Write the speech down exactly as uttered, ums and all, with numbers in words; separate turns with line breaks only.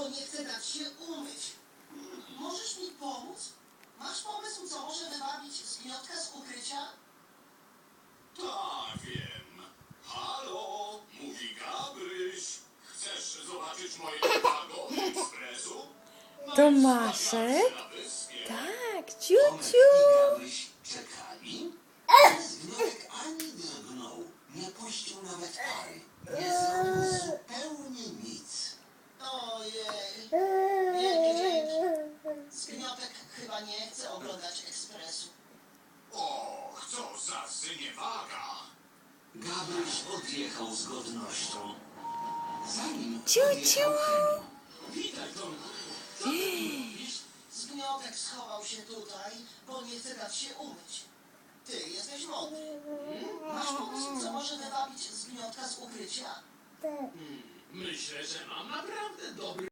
bo nie chce dać się umyć. Hmm, Możesz mi pomóc? Masz pomysł, co może wybawić zgniotka z ukrycia?
Tak, wiem. Halo, mówi Gabryś. Chcesz zobaczyć moje wagony ekspresu?
Tomaszek?
Na wyspie.
Tak, ciu,
Tomek
ciu.
i Gabryś czekali. Zgniatek ani drgnął, nie puścił nawet pary. Nie zrobił zupełnie nic.
Ojej, wielkie dzięki. Zgniotek chyba nie chce oglądać ekspresu.
Och, co za syniewaga.
Gabryś odjechał z godnością. Zanim
Ciu,
odjechał
ciu.
Henio.
Witaj, Tomku.
Zgniotek schował się tutaj, bo nie chce dać się umyć. Ty jesteś mądry. Masz pomysł, co może wybawić zgniotka z ukrycia?
Myślę, że mam naprawdę dobry